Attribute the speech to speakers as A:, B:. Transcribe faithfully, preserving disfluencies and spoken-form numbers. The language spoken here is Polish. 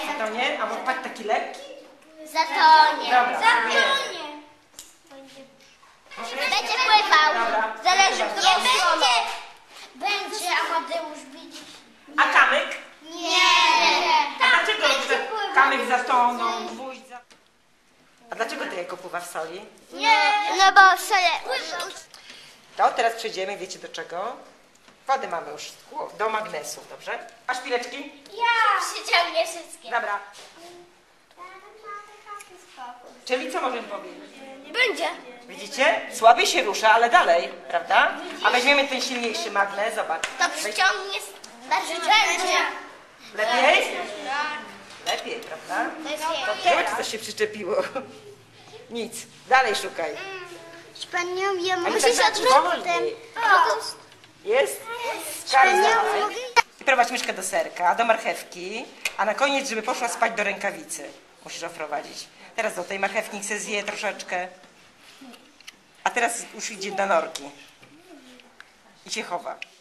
A: Zatonie? A może patrz taki lekki?
B: Zatonie.
A: Dobra.
B: Zatonie. Będzie pływał.
A: Dobra.
B: Zależy, w którą stronę. Będzie, Amadeusz, widzisz?
A: A kamyk?
B: Nie.
A: A dlaczego że kamyk zatonął, gwóźdź za... A dlaczego to jajko pływa w soli?
B: Nie. No bo sobie...
A: To teraz przejdziemy, wiecie do czego? Wodę mamy już do magnesu, dobrze? A szpileczki?
B: Ja. Przyciągnie wszystkie.
A: Dobra. Czyli co możemy powiedzieć?
B: Będzie.
A: Widzicie? Słabiej się rusza, ale dalej, prawda? A weźmiemy ten silniejszy magnes, zobacz.
B: To przyciągnie bardziej. Będzie.
A: Lepiej? Lepiej, prawda? Zobacz, coś się przyczepiło. Nic. Dalej szukaj.
B: Panią, ja
A: Ale
B: muszę
A: tak
B: się
A: wolniej. Jest? I prowadź myszkę do serka, do marchewki, a na koniec, żeby poszła spać, do rękawicy. Musisz oprowadzić. Teraz do tej marchewki niech se zje troszeczkę. A teraz już idzie do norki. I się chowa.